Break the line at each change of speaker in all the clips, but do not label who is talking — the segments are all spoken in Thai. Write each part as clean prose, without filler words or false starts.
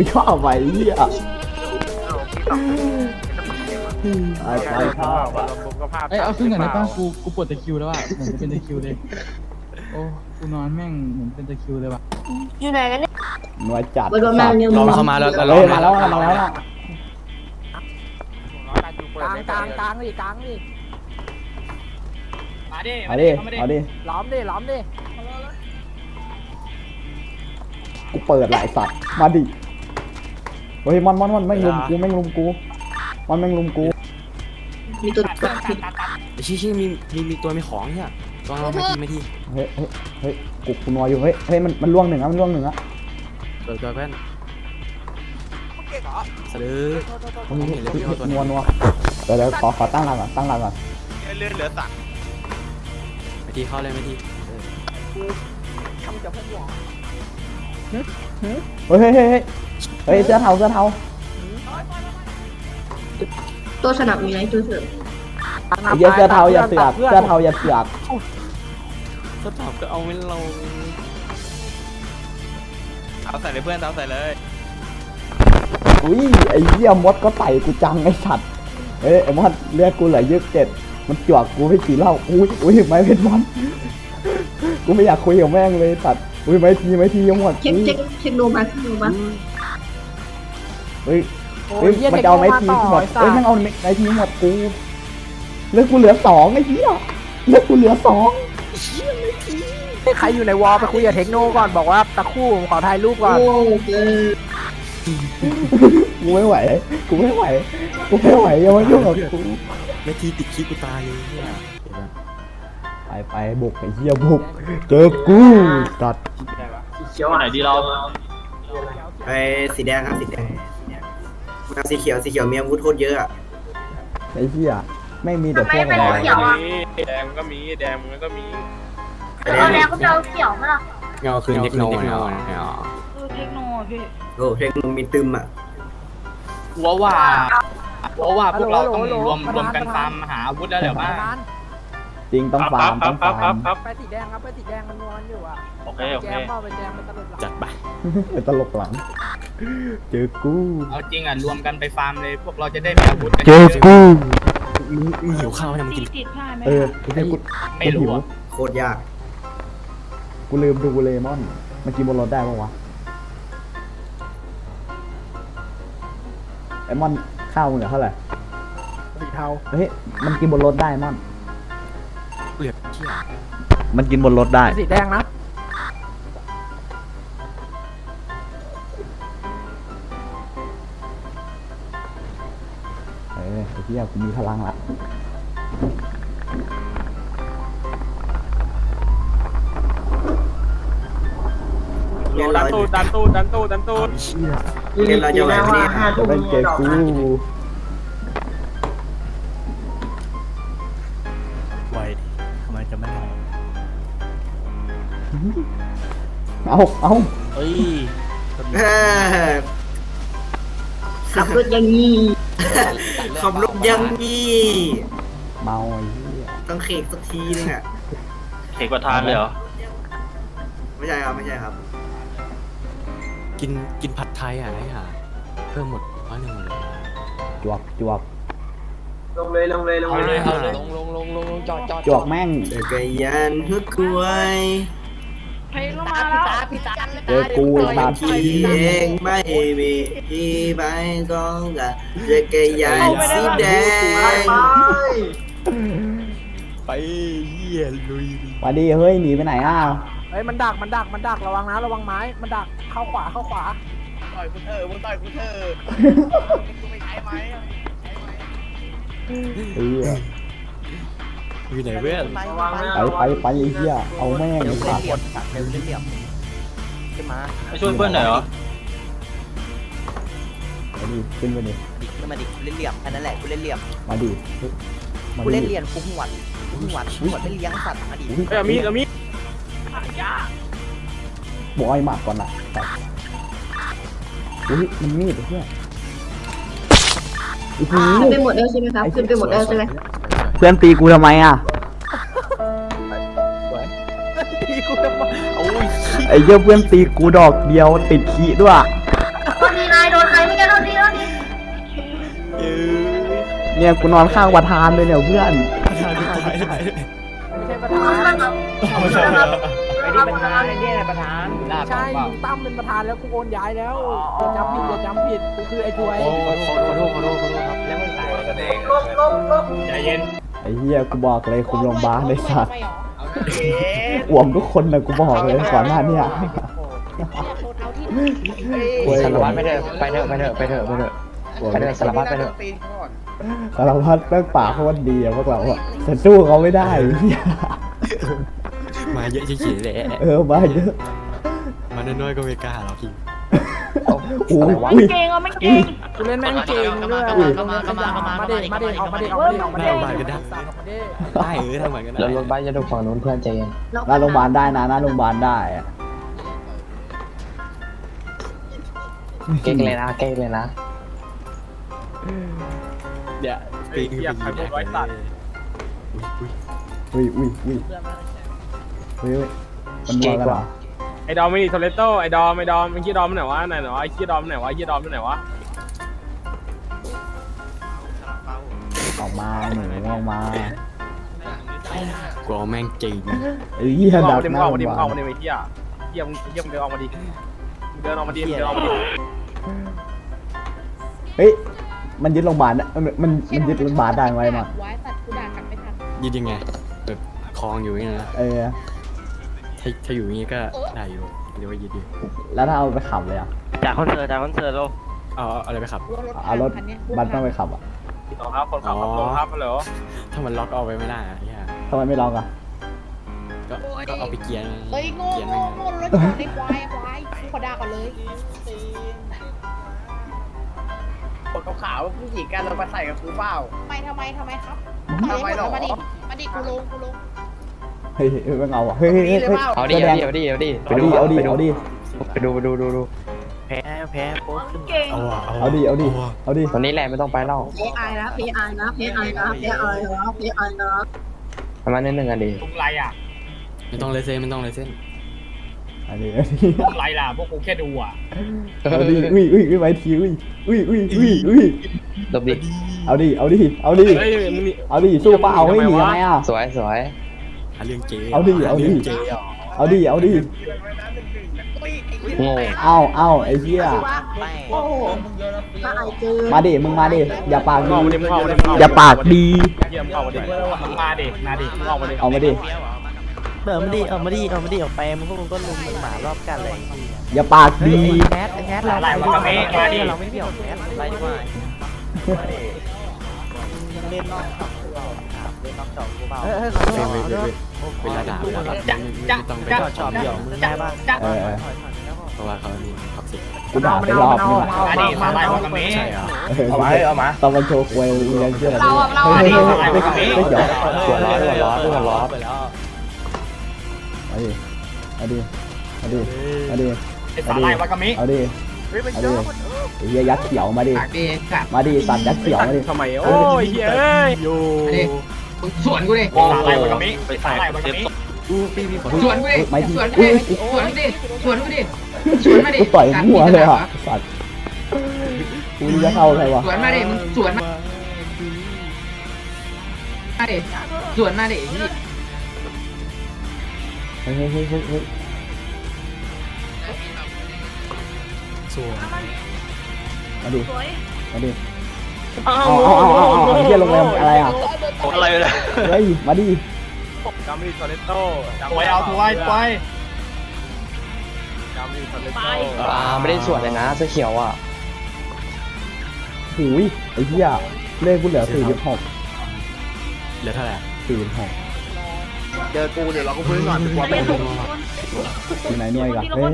ไม่ชอบไปเหี้ยไอ้ไปชอบอ่ะ
เอ้ยเอาขึ้นหน่อยได้ป่ะกูปวดตะคริวแล้วอ่ะเหมือนจะเป็นตะคริวเลยโอ้กูนอนแม่งเหมือนเป็นตะคริวเลยว่ะ
อยู่ไหนกันเนี่ย
หน่วยจัด
บนมาเร็ว
ลองเข้ามาแล้ว
เฮ้ยมาแล้วมาแล้ว
กลางดิกลางดิ
มาดิ
เอาดิเอาดิ
ล้อมดิ
กูเปิดหลายสัตว์มาดิเฮ้ยมันแม่งลุมกูมันแม่งลุมกู
มีตัว
ชี้มีตัวมีของเนี่ยตัวเราไม่ที
เฮ้ยกูนัวอยู่เฮ้ยมันล่วงหนึ่งอ่ะมันล่วงหนึ่งอ่ะ
เปิดตัวเพื่อนสะดือ
นัวเดี๋ยวขอตั้งหลักก่อน
เลื่อนเหลือสั่ง
ไม่ทีเข้าเลยไม่ที
เฮ้ยเสื้อเทา
ตัวสนับมีไหนตัวเสือ
ไอ้เสื้อเทาอย่าเสือก
ก็ตอบก็เอาไม่ลง
เอาใส่เลยเพื่อนเอาใส่เลย
อุ้ยไอ้เหี้ยมดก็ไต่กูจังไอ้สัตว์ไอ้มดเลือดกูเหลือ27มันจวกกูให้กี่เหล้าอุ้ยไม่เป็นมดกูไม่อยากคุยกับแม่งเลยสัตว์อุ้ยไม่ทียังหมด
เช็คโนมา
เฮ้ยมันจะเอาไม้ทีหมดแม่งเอาไม้ทีหมดกูเลือดกูเหลือ2ไอ้เหี้ยเลือดกูเหลือ2
ใครอยู่ในวอลไปคุยกับเทคโนก่อนบอกว่าตะคู่ผมขอถ่ายรูปก่อน
กูไม่ไหวอย่ามายุ่งกับกู
ไม่ทีติดขี้กูตายเลยเนี่ย
ไปบุกไอ้เหี้ยบุกเจอกูตัด
เขียวไหนดีเรา
ไอ้สีแดงครับสีแดงมาสีเขียวมีอาวุธโคตรเยอะอ่ะ
ไอ้เหี้ยไม่มีแต่พวกอะไร
แดงก็มีแดงมันก็มี
เอาแล้วก็จะเอาเขียวมาล่ะ
เงาคืนเทคโนเงา
เทคโนพี่
โอ้เพลงมึงมีตึมอ่ะ
ว่าพวกเราต้องรวมกันฟาร์มหาอาวุธแล้วเดี๋ยวบ้า
จริงต้องฟาร์ม
ไปสีแดงครับไปสีแดงมันนอนอยู่อ่ะ
โอเค
แจมเข้าไปแจมมันตลบหลัง
จัดไป
เป็นตลกหลังเจอกู
เอาจริงอ่ะรวมกันไปฟาร์มเลยพวกเราจะได้มีอาวุธ
เจอกู
มึงหิวข้าวเนี่ยมึงกิน
ติดผ้าไหม
กูแค่กู
ไม่รู้อ่ะ
โคตรยาก
กูลืมดูเลมอนมันกินบนรถได้ปะวะไอ้มอนข้าวมึงเหลือเท่าไหร่
สีเทา
เฮ้ยมันกินบนรถได้มอน
เปลือกเชี่ย
มันกินบนรถได้
สีแดงนะ
ไอ้เหี้ยกูมีพลังละ
เรียนเรา
ดันตู้
เชี่ย
เรียนเราจะไหวไหมเนี่ย
จะเป็นเจอกู
ไวดิทำไมจะไม่ไหว
เอา
เฮ้ย
ขับรถอย่างนี้
ขับรถยังงี้
เมาไอ้เหี้ย
ต้องเคกสักทีนึงอ่ะ
เขกประทานเลยเหรอ
ไม่ใช่ครับ
กินผัดไทยอ่ะไอ้ห่าเพิ่มหมด100เลย
จวก
ลงเลย
เอาเลยลงจอด
จวกแม่ง
จักรยานฮึกกล้วย
เพลงมาแล้ว
เจอกูตาม
ขี่เองไม่มีที่ไปก็กับจักรยานสีแดง
ไปเหี้ยลุย
มาดีเฮ้ยหนีไปไหนอ่ะ
เฮ้ยมันดักระวังนะระวังไม้มันดักเข้าขวา
ต่อยกูเถอะมึงต่อยกูเถอะกูไม่ใช้ไหม
เฮ้ย
อยู่ไหนเว้ย
ไปไอ้เหี้ยเอาแม่งไอ้สัตว์
ไปช่วยเพื่อนหน่อยเหรอ
มาดิขึ้นไปดิ
มาดิกูเล่นเหลี่ยมแค่นั้นแหละกูเล่นเหลี่ยม
มาดิ
กูเล่นเหลี่ยมกูหวดไม่เลี้ยงสัตว์มาดิ
เอามีด
บอยหมัดก่อนนะอุ้ยมันมีดไอ้เหี้ยโอ้โห
ขึ้นไปหมดแล้วใช่ไหมครับขึ้นไปหมดแล้วใช่ไหม
เพื่อนตีกูทำไมอ่ะ
โอ้ย
ไอ้เหี้ยเพื่อนตีกูดอกเดียวติดขี้ด้วย
ก็นี่นายโดนใครไม่แกโดนดีโดนดี
เนี่ยกูนอนข้างประธานเลยเนี่ยเพื่อน
ไม่ใช่ประธาน
ไม่ใช่ไม่ได้ประธานเนี่ยประธานลาบ
ใช่ลุงตั้มเป็นประธานแล้วกูโอนย้ายแล้วอย่าจำผิดอย่าจำผิดกูคือไอ้ถวย
ขอโทษครับ
แล้วมึงตายกันเอง
ใจเย็น
ไอ้เหี้ยกูบอกเลยคุมโรงพยาบาลเลยสัตว์
เอ๊ะ
อ่วมทุกคนนะกูบอกเลยก่อนหน้าเนี่ย
สารวัตรไปเถอะไปเถอะไปเถอะไปเถอะไปเถอะไปเถอะสารวัตรไปเถอะ
สารพัดแม่งปากเขาวันดีอะพวกเราอะแต่สู้เขาไม่ได้ไอ้เหี้ย
มาเยอะเฉยๆแหละ
มาเยอะ
มาน้อยๆก็ไม่กล้าหรอกพี่
โอ้ย
ไม่
อุ้ย
เก่งอ่ะไม่เก่ง
กูเล่นแม่งเก่งด้วย มาเด็มาเด็ออกมาเด็ออกมาเด็ออกมาเด็ออกมาเด็
ได้ทำเหมือนกันนะ
แล้วรถบ้านจะดูฝั่งนู้นเพื่อนใจเย็น
หน้าโรงพยาบาลได้นะหน้าโรงพยาบาลได้อะ
เก๊กเลยนะเก๊กเลยนะ
เดี๋ยวปีนขึ้นไปยิงไว้ตัด
อุ้ยอุ้ยอุ้ยเฮ้ยมันมองกันเหรอ
ไอ้ดอมไม่ดีโทเลโต้ไอ้ดอมไอ้ดอมไอ้ขี้ดอมมันไหนวะไหนวะไอ้ขี้ดอมมันไหนวะไอ้ขี้ดอมมันไหนวะ
ออกมาหนูออกมา
กูเอาแม่งจริง
ไอ้เหี้ย
มึง
ดั
เอา
ก
มาดิ
ห
มึง
น้า
เอา
โร
มาง
พ
ดิ
ยา
มึง
บา
เอา
ล
มาดิไอ้เหี้ยเหี้ยมึงเดินออกมาดิเดินออกมาดิเดินออกมาดิ
เฮ้ยมันยึดโรงพยาบาลนะมันยึดโรงพยาบาลได้ไหมมั้ง
ไว้ตัดกูด่ากลับไม่ทัน
ยืดยังไงแบบคลองอยู่อย่างนี้นะ ถ้าอยู่อย่างนี้ก็ได้อยู่เรียกว่ายืดอยู่
แล้วถ้าเอาไปขับเลยอ่ะ
จากคอนเสิร์ตลง
เอาอะไรไปขับ
เอารถบัสต้องไปขับอ่ะ
ต่อครับคนขับรถครับฮัลโหล
ถ้ามันล็อกเอาไปไม่ได้อะเนี่ย
ทำไมไม่ลองอ่ะ
ก็เอาไปเกียร์
เอ้ยโง่
เกียร์
โง่
แม่ง
โง่รถจอดในควายกูขอด่าก่อนเลย
คนขาวๆผู้หญิงกันเรามาใส่กับกูเปล่า
ทำไมครับ
ทำไมหรอ
มาดิกูลง
เฮ้ยไม่เอาอ่ะเฮ้ยเฮ้ยเฮ้ย
เอาดิ
แสดง
เอาดิเอาดิ
เอาดิเอาดิเอาดิ
ไปดู
แพ้โป๊ะขึ้น
เก่ง
เอาดิเอาดิเอาดิ
ตอนนี้แหละไม่ต้องไปเล่า
เพไอนะเพไอนะเพไอนะเพไอนะเพไอนะ
ประมาณนิดนึงอ่ะดิ
ลุงไรอ่ะ
ไม่ต้องเลยเส้นไม่ต้องเลยเส้น
เอาดิ
ลุงไรล่ะพวกกูแค่ดูอ่ะ
เอาดิอุ้ยอุ้ยอุ้ยไว้ทีอุ้ยอุ้ยอุ้ยอุ้ยอุ้ย
ดบดิ
เอาดิเอาดิเอาดิ
เฮ้ยมึงนี่
เอาดิสู้เปล่าเฮ้ยหนีทำไมอ่ะ
สวยสวย
หาเรื่องเจ๊
เอาดิเอาดิ
เรื่องเจ๊อ่ะ
เอาดิเอาดิ
โง่
เอาไอ้เหี้ย
โอ้โหถ้าไอเจอ
มาดิมึงมาดิอย่าปาก
มึง
ดี
ออกมาดิมึงออกมาดิ
อย่าปากดี
เยี่ยมออกมาดิมึงมาดิมาดิมึงออกมาดิ
เอามาดิ
เดินมาดิเอามาดิออกไปมึงพวกมึงก็ลุมมึงหมารอบกันเลย
อย่าปากดี
แคทเราไม่เกี่ยวแคทไรมาเล่นนอกเล่นนอกจอกูเปล่า
เวลาด่าไม่ต้องไป
ชอบเดี่ยวมึงได้ป่ะ
เออ
เพราะว่าเขานี่ท็อกซิก
กูด่าไปรอบนึงอ่ะ
มาดิมาไล่วากาเมะ
ใช่เหรอ
เอามาตอนมันโชว์ควยมึงยังเชื่อ
เราอ่ะเรา
เฮ้ย
อ่ะ
เฮ้ยเฮ้ยไม่เกี่ยว
หัวร้อน
ไปแล้ว
เอาดิเอาดิเอาดิเอาดิ
ไอ้สาไล่วากาเมะ
เอาดิเอาดิไอ้เหี้ยยักษ์เขียวมาดิมาดิสัตว์ยักษ์เขียวมาดิ
ทำไมโอ้ยเฮ้ยอยู่
สวนกูดิ
สาไล่วากาเมะไอ้สาไล่วากาเมะ
สวนกูดิ
ไม่ที
สวนกูดิสวนกูดิสวนกูดิสวนมาดิ
กูต่อยหัวเลยอ่ะสัตว์กูจะเข้าใครวะ
สวนมาดิมึงสวนมาดิสวนมาดิ
เฮ้ยเฮ้ยเฮ้ยเฮ้ยเฮ้ย
ส่วน
มาดิมาดิเอาเหี้ยโรงแรมอะไรอ่ะ
อะไรเลย
เฮ้ยมาดิ
จำดิโทเลโต้ถวยเอาถวยถวยจำดิโทเลโต้
ไม่ได้สวดเลยนะเสื้อเขียวอ่ะ
หูยไอ้เหี้ยเลขกูเหลือ46
เหลือเท่าไหร่
46
เจอกูเดี๋ยวเราก็พื้นก่อนกลัวไม่ถูก
อยู่ไหนหน่วยกันเฮ้ย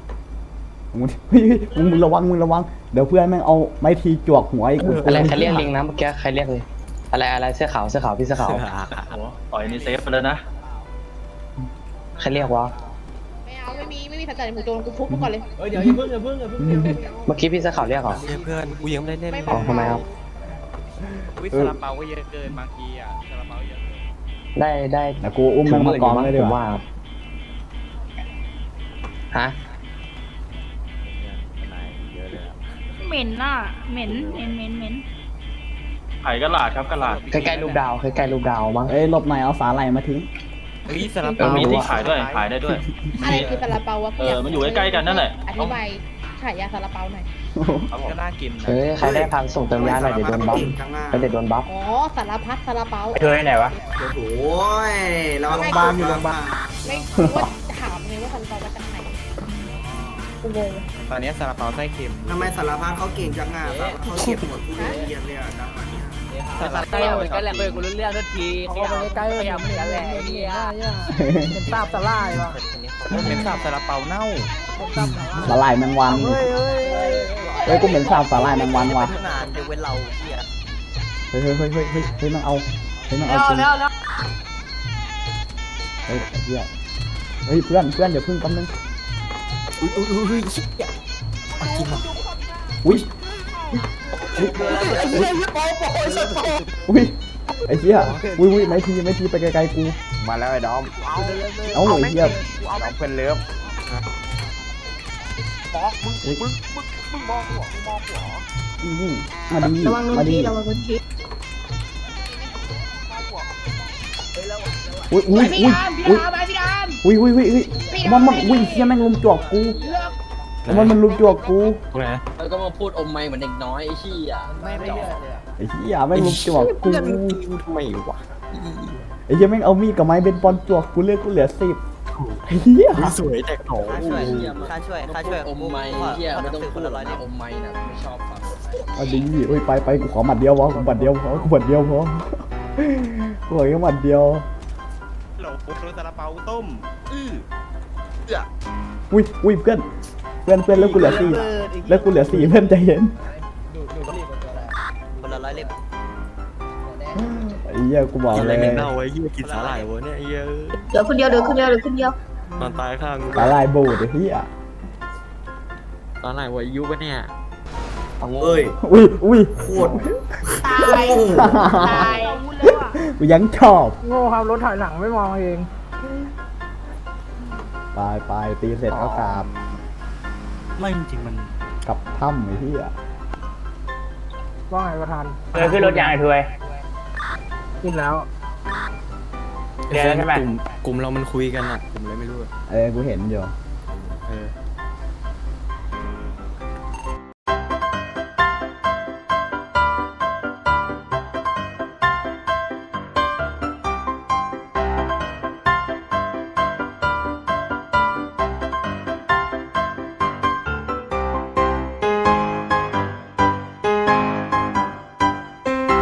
มึงระวังเดี๋ยวเพื่อนแม่งเอาไม้ทีจวกหัวอีก
อะไรใครเรียกลิงนะเมื่อกี้ใครเรียกเลยอะไรเสื้อขาวพี่เสื้อขาว
ต่อยนี่เซฟไปเลยนะ
ใครเรียกวะ
ไม่เอาไม่มีสัญญาณหมู่โจรกูทุบมันก่อนเลย
เดี๋ยวอย่าเพิ่ง
เมื่อกี้พี่เสื้อขาวเรียกเหรอ
เพื่อนกูยังไม่ได้เล่น
อ๋อทำไมครับ
วิสลาเปาก็เยอะเกินบางทีอ่ะซาลาเปาเยอะ
ได้
แต่กูอุ้มมันมากองเลยดี
ผม
ก
ว่า
ว่า
ฮะ
เหม็นน่ะเหม็นเหม็น
ขายกระลาดครับกระลาด
ใกล้ๆรูปดาวใกล้ๆรูปดาวมั้ง
เอ้ยหลบหน่อยเอาสาหร่ายมาทิ้ง
เฮ้ยสลับ
มีที่ขายด้วยขายได้ด้วย
อะไรคือซาลาเปาวะ
มันอยู่ใกล้ๆกันนั่นแหละ
อธิบายฉายาซาลาเปาหน่อย
ก็น่ากิน
เฮ้ยใครได้พันส่งเติมยาหน่อยเดี๋ยวโดนบัฟเดี๋ยวโดนบัฟ
อ๋อสารพัดซาลาเปา
เธอไหนวะ
โอ้ยเราโรงพยาบาลอยู่โรงพยาบาล
ไม่รู้ว่าถามเลยว่าซาลาเปามาจากไหนกูงง
ตอนนี้ซาลาเปาไส้เค็ม
ทำไมสารพัดเขาเก่งจังอ่ะเขาเก็บหมดทุเรียนเลยอ่ะจังหวะเนี้ย
ใกล้เหมือนกันแหละเว้ยกูรู้เรื่องทุกทีเขาไปใกล้ๆเหมือนกันแหละไอ้เนี่ยเป็นตาบสลายวะ
เป็นซาบซาลาเปาเน่า
เป็นตาบสลาย
สาหร่ายแมงวัน
เฮ้ย
เฮ้ยกูเหม็นสาบสาหร่ายแมงวันว่ะ
นานจะเว้นเราเฮีย
เฮ้ยมันเอาเฮ้ยมันเอาจริงเฮ้ยไอ้เหี้ยเฮ้ยเพื่อนเดี๋ยวพึ่งแป๊บนึงอุ้ยไอ้เหี้ยอุ้ยไม่ทีไปไกลๆกู
มาแล้วไอ้ดอม
เอาไอ้เหี้ย
ดอมเพื่อนเลิฟ
มาดี
ระวังโดน
มาดี
ทีระวังโดนที
อุ้ย
พี่ดามพี่ดามไปพี่ดาม
อุ้ยมันอุ้ยเหี้ยแม่งลุมจวกกูมันลุมจวกกู
ตรงไหน
แล้วก็มาพูดอมไม่เหมือนเด็กน้อยไอ้ชี้อ่ะไม่เลือกเลย
ไอ้เหี้ยแม่งลุมจวกกู
ทำไมวะ
ไอ้เหี้ยแม่งเอามีดกับไม้เบนบอลจวกกูเลือดกูเหลือ10ไอ้เหี้ย
สวยแต่โห
ค่าช่วยอมไม่เฮียไม่ต้องพูดอะไรนะอมไม่นะไม่ชอบฟัง
มาดีเฮ้ยไปกูขอหมัดเดียวพอกูหมัดเดียวพอกูขอแค่หมัดเดียว
โหลโรซาลาเปาต้ม
อุ้ยเพื่อนแล้วกูเหลือ4เพื่อนใจเย็น
คนละร้อยเล่ม
ไอ้เหี้ยกูบอก
กินอะไร
เลย
เน่าไว้เหี้ยกินสาหร่ายวะเนี่ยไอ้เหี้ย
เดี๋ยวคนเดียวน
อนตายข้างกู
สาลายบูดไอ้เหี้ย
สาหร่ายวายุปะเนี่ย
เอ้ย
อุ้ย
โคตร
ตายพูดเลยว่ะ
กูยังชอบ
โง่ครับรถถอยหลังไม่มองเอง
ไปตีเสร็จก็กราบ
ไม่จริงมัน
กลับถ้ำไอ้เหี้ย
ว่าไงประธาน
ขึ้นรถยางไอ้ถวย
ขึ้นแล้ว
กลุ่มเรามันคุยกันอ่ะผมเลยไม่รู้
กูเห็นอยู่